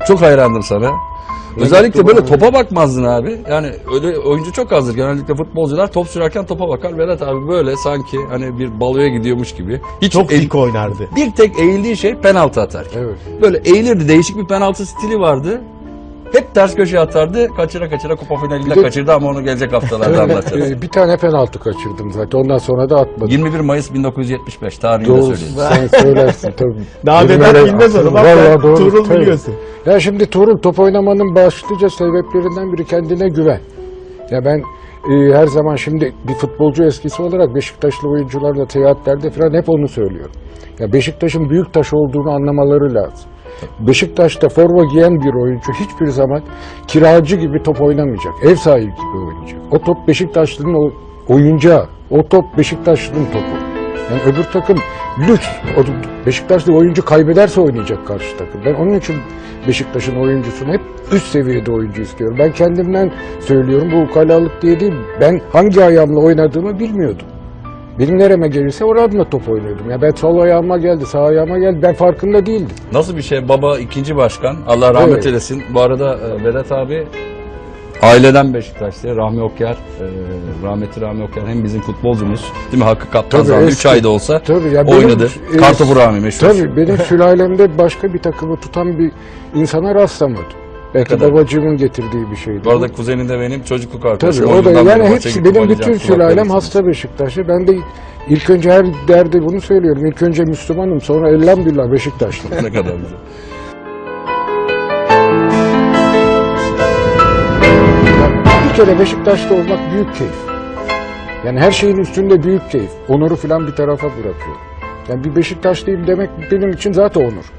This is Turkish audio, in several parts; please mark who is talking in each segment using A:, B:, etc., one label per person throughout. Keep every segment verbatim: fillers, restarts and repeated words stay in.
A: Çok hayrandım sana. Özellikle böyle topa bakmazdın abi. Yani öyle oyuncu çok azdır. Genellikle futbolcular top sürerken topa bakar. Vedat abi böyle sanki hani bir baloya gidiyormuş gibi. Hiç
B: Çok
A: eğ-
B: dik oynardı.
A: Bir tek eğildiği şey penaltı atarken.
C: Evet.
A: Böyle eğilirdi. Değişik bir penaltı stili vardı. Hep ters köşeye atardı. Kaçıra kaçıra kupa finalinde
C: Bir de-
A: kaçırdı ama onu gelecek haftalarda anlatacağız.
C: Ee, bir tane penaltı kaçırdım zaten. Ondan sonra da atmadım.
A: yirmi bir Mayıs bin dokuz yüz yetmiş beş tarihini de
C: Doğru,
A: söyleyeyim.
C: sen söylersin tabii.
B: Daha
C: Benim
B: Vedat
C: öyle-
B: bilmez onu. Bak
C: Vallahi
B: sen
C: doğru,
B: Tuğrul
C: tabii.
B: biliyorsun.
C: Ya şimdi Tuğrul top oynamanın başlıca sebeplerinden biri kendine güven. Ya ben e, her zaman şimdi bir futbolcu eskisi olarak Beşiktaşlı oyuncularla seyahatlerde falan hep onu söylüyorum. Ya Beşiktaş'ın büyük taş olduğunu anlamaları lazım. Beşiktaş'ta forma giyen bir oyuncu hiçbir zaman kiracı gibi top oynamayacak. Ev sahibi gibi oynayacak. O top Beşiktaşlı'nın o oyuncağı. O top Beşiktaşlı'nın topu. Yani öbür takım lüks. O Beşiktaşlı oyuncu kaybederse oynayacak karşı takım. Ben onun için Beşiktaş'ın oyuncusunu hep üst seviyede oyuncu istiyorum. Ben kendimden söylüyorum, bu ukalalık diye değil. Ben hangi ayağımla oynadığımı bilmiyordum. Benim nereme gelirse oramla top oynuyordum. Ya ben sol ayağıma geldi, sağ ayağıma geldi. Ben farkında değildim.
A: Nasıl bir şey? Baba ikinci başkan. Allah rahmet
C: Evet.
A: eylesin. Bu arada e, Vedat abi aileden Beşiktaşlı. Rahmi Okyar, e, rahmetli Rahmi Okyar hem bizim futbolcumuz, değil mi? Hakkı Kaptan
C: Tabii,
A: zamanında üç
C: eski.
A: ayda olsa
C: Tabii, ya benim-
A: oynadı.
C: e,
A: Kartopu Rahmi meşhur.
C: Tabii benim sülalemde başka bir takımı tutan bir insana rastlamadım. Belki
A: kadar?
C: babacığımın getirdiği bir şeydi.
A: Bu arada kuzenin de benim çocukluk arkadaşım.
C: Tabii o da
A: Oyundan
C: yani
A: beri maça
C: hepsi
A: gittim,
C: benim
A: oynayacağım,
C: bütün
A: kulakları
C: sülalem
A: için.
C: hasta Beşiktaşlı. Ben de ilk önce her derde bunu söylüyorum. İlk önce Müslümanım, sonra elhamdülillah Beşiktaşlı.
A: Ne kadar güzel.
C: Bir kere Beşiktaş'ta olmak büyük keyif. Yani her şeyin üstünde büyük keyif. Onuru falan bir tarafa bırakıyorum. Yani bir Beşiktaşlıyım demek benim için zaten onur.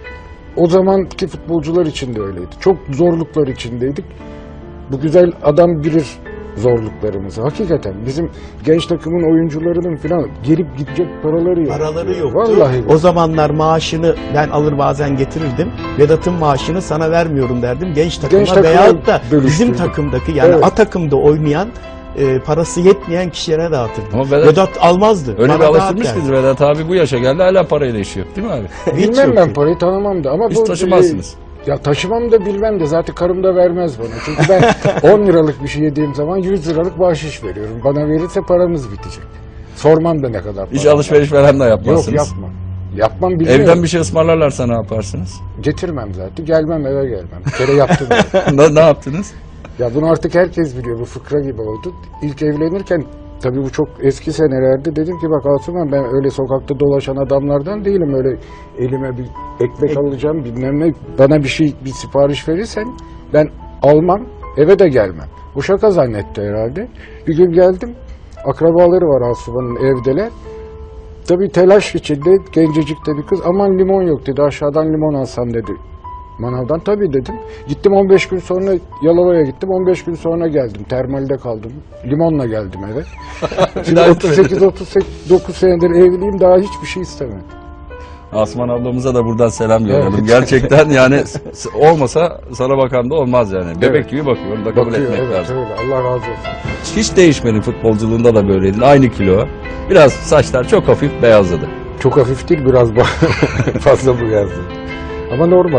C: O zamanki futbolcular için de öyleydi. Çok zorluklar içindeydik. Bu güzel adam bilir zorluklarımızı. Hakikaten bizim genç takımın oyuncularının falan gelip gidecek paraları yok.
B: Paraları yoktu.
C: Vallahi yok.
B: O zamanlar maaşını ben alır bazen getirirdim. Vedat'ın maaşını sana vermiyorum derdim. Genç takıma
C: Genç takıma
B: veyahut da bizim
C: bölüştürdüm.
B: takımdaki yani
C: Evet.
B: A takımda oynayan e, parası yetmeyen kişilere dağıtırdım.
A: Ama Vedat-
B: Vedat, almazdı.
A: Öyle
B: Bana
A: bir
B: dağıt
A: alıştırmış
B: derdi.
A: ki Vedat abi bu yaşa geldi hala parayla yaşıyor. Değil mi abi?
B: Hiç
C: Bilmem
B: yok.
C: ben parayı tanımam da ama
A: Hiç
C: bu
A: taşımazsınız.
C: Ya taşımam da bilmem de zaten karım da vermez bana. Çünkü ben on liralık bir şey yediğim zaman yüz liralık bahşiş veriyorum. Bana verirse paramız bitecek. Sormam da ne kadar
A: Hiç
C: para.
A: alışveriş falan da
C: Yok
A: yapmazsınız.
C: yapmam. Yapmam bilmiyorum.
A: Evden bir şey ısmarlarlarsa ne yaparsınız?
C: Getirmem zaten. Gelmem eve gelmem. Bir kere yaptım. ben.
A: ne, ne yaptınız?
C: Ya bunu artık herkes biliyor. Bu fıkra gibi oldu. İlk evlenirken tabii bu çok eski senelerde dedim ki bak Asuman ben öyle sokakta dolaşan adamlardan değilim. Öyle elime bir ekmek alacağım bilmem ne. Bana bir şey bir sipariş verirsen ben almam eve de gelmem. Bu şaka zannetti herhalde. Bir gün geldim. Akrabaları var Asuman'ın evdeler. Tabii telaş içinde gencecik de bir kız aman limon yok dedi aşağıdan limon alsam dedi. Manavdan tabii dedim. Gittim on beş gün sonra Yalova'ya gittim. on beş gün sonra geldim. Termalde kaldım. Limonla geldim eve. Şimdi
A: daha
C: otuz sekiz otuz dokuz senedir evliyim daha hiçbir şey istemem.
A: Asman ablamıza da buradan selam yollayalım.
C: Evet.
A: Gerçekten yani s- olmasa sana bakan da olmaz yani. Bebek
C: Evet.
A: gibi bakıyor. Onu da kabul
C: Bakıyor
A: etmek
C: evet
A: lazım.
C: öyle. Allah razı olsun.
A: Hiç değişmedin futbolculuğunda da böyleydin. Aynı kilo. Biraz saçlar çok hafif beyazladı.
C: Çok hafif değil biraz ba- fazla bu yazdı. Ama normal.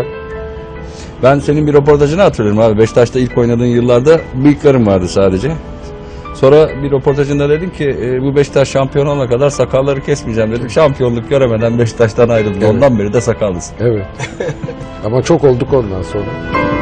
A: Ben senin bir röportajını hatırlıyorum abi. Beşiktaş'ta ilk oynadığın yıllarda bıyıklarım vardı sadece. Sonra bir röportajında dedin ki e, bu Beşiktaş şampiyon olana kadar sakalları kesmeyeceğim dedim. Şampiyonluk göremeden Beşiktaş'tan ayrıldım.
C: Evet.
A: Ondan beri de sakallısın.
C: Evet. Ama çok olduk ondan sonra.